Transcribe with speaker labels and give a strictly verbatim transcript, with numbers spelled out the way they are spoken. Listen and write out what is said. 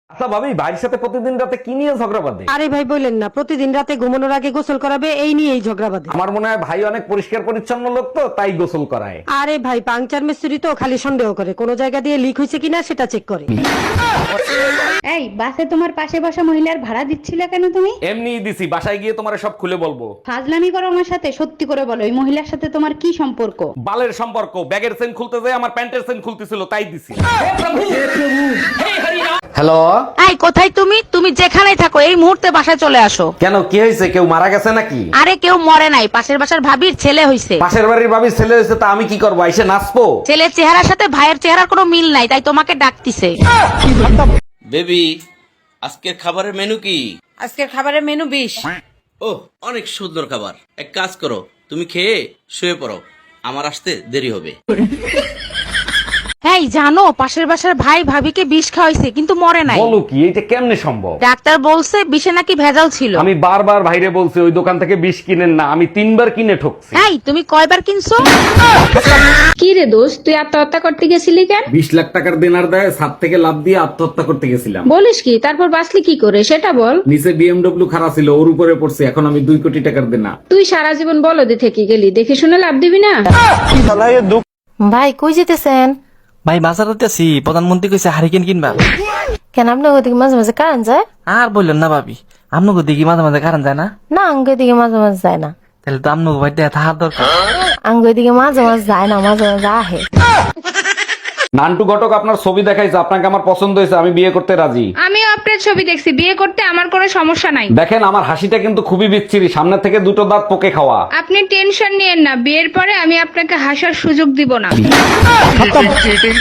Speaker 1: আচ্ছা ভাবি, ভাইয়ের সাথে প্রতিদিন রাতে কি নিয়ে ঝগড়া বাঁধে?
Speaker 2: আরে ভাই বললেন না, প্রতিদিন রাতে ঘুমানোর আগে গোসল করাবে এই নিয়েই ঝগড়া বাঁধে।
Speaker 1: আমার মনে হয় ভাই অনেক পরিষ্কার পরিচ্ছন্ন লোক, তো তাই গোসল করায়।
Speaker 2: আরে ভাই পাংচার মিস্ত্রি তো খালি সন্দেহ করে, কোন জায়গা দিয়ে লিক হয়েছে কিনা সেটা চেক করে।
Speaker 3: এই বাসে তোমার পাশে বসা মহিলার ভাড়া দিচ্ছিলে কেন তুমি?
Speaker 1: এমনি দিছি, বাসায় গিয়ে তোমার সব খুলে বলবো।
Speaker 3: ফাজলামি করো আমার সাথে, সত্যি করে বলো এই মহিলার সাথে তোমার কি সম্পর্ক?
Speaker 1: বালের সম্পর্ক, ব্যাগের চেন খুলতে যায় আমার প্যান্টের চেন খুলতেছিল, তাই দিছি। হ্যালো,
Speaker 4: এই কোথায় তুমি তুমি যেখানেই থাকো এই মুহূর্তে বাসায় চলে আসো।
Speaker 1: কেন কি হয়েছে? কেউ মারা গেছে নাকি?
Speaker 4: আরে কেউ মরে নাই, পাশের বাসার ভাবির ছেলে হইছে।
Speaker 1: পাশের বাড়ির ভাবির ছেলে হয়েছে, তা আমি কি করবো? এসে নাচবো?
Speaker 4: ছেলের চেহারার সাথে ভাইয়ের চেহারার কোনো মিল নাই, তাই তোমাকে ডাকতিছে।
Speaker 5: বেবি, আজকের খাবারের মেনু কি?
Speaker 4: আজকের খাবারের মেনু বিশ।
Speaker 5: ও, অনেক সুন্দর খাবার। এক কাজ করো, তুমি খেয়ে শুয়ে পড়ো, আমার আসতে দেরি হবে।
Speaker 4: এই জানো, পাশের বাসার ভাই ভাবিকে বিষ খাওয়াইছে কিন্তু মরে নাই।
Speaker 1: বলো কি, এটা কেমনে সম্ভব?
Speaker 4: ডাক্তার বলছে বিষে নাকি ভেজাল ছিল।
Speaker 1: আমি বারবার ভাইরে বলছি ওই দোকান থেকে বিষ কিনেন না, আমি তিনবার কিনে ঠকছি।
Speaker 4: এই তুমি কয়বার কিনছো?
Speaker 3: কি রে দোস্ত, তুই আত্মহত্যা করতে গেছিলি কেন?
Speaker 1: বিশ লাখ টাকার দেনার দেয় ছাদ থেকে লাভ দিয়ে আত্মহত্যা করতে গেছিলাম।
Speaker 3: বলিস কি? তারপর বাঁচলি কি করে সেটা বল।
Speaker 1: নিচে বিএমডব্লিউ খারাপ ছিল, ওর উপরে পড়ছে, এখন আমি দুই কোটি টাকার দেনা।
Speaker 3: তুই সারা জীবন বলদে থেকে গেলি, দেখে শুনে লাভ দিবি না।
Speaker 6: ভাই কই যেতেছেন?
Speaker 7: ভাই বাজার আছি, প্রধানমন্ত্রী কইছে হারিকেন কিনবা।
Speaker 6: কেন আপনার ওদিকে মাঝে মাঝে কারেন্ট যায়?
Speaker 7: আর বললেন না ভাবি, আপনাকে দিকে মাঝে মাঝে কারণ যায় না?
Speaker 6: না আঙ্গ দিকে মাঝে মাঝে যায় না।
Speaker 7: তাহলে তো আপনাকে ভাই থাকার দরকার।
Speaker 6: আঙ্গ দিকে মাঝে মাঝে যায় না, মাঝে মাঝে আহে।
Speaker 1: নান্টু ঘটক আপনার ছবি দেখাইছে, আপনাকে আমার পছন্দ হয়েছে, আমি বিয়ে করতে রাজি।
Speaker 8: আমিও আপনার ছবি দেখছি, বিয়ে করতে আমার কোনো সমস্যা নাই।
Speaker 1: দেখেন আমার হাসিটা কিন্তু খুবই বিচ্ছিরি, সামনে থেকে দুটো দাঁত পোকে খাওয়া।
Speaker 8: আপনি টেনশন নিয়েন না, বিয়ের পরে আমি আপনাকে হাসার সুযোগ দিব না।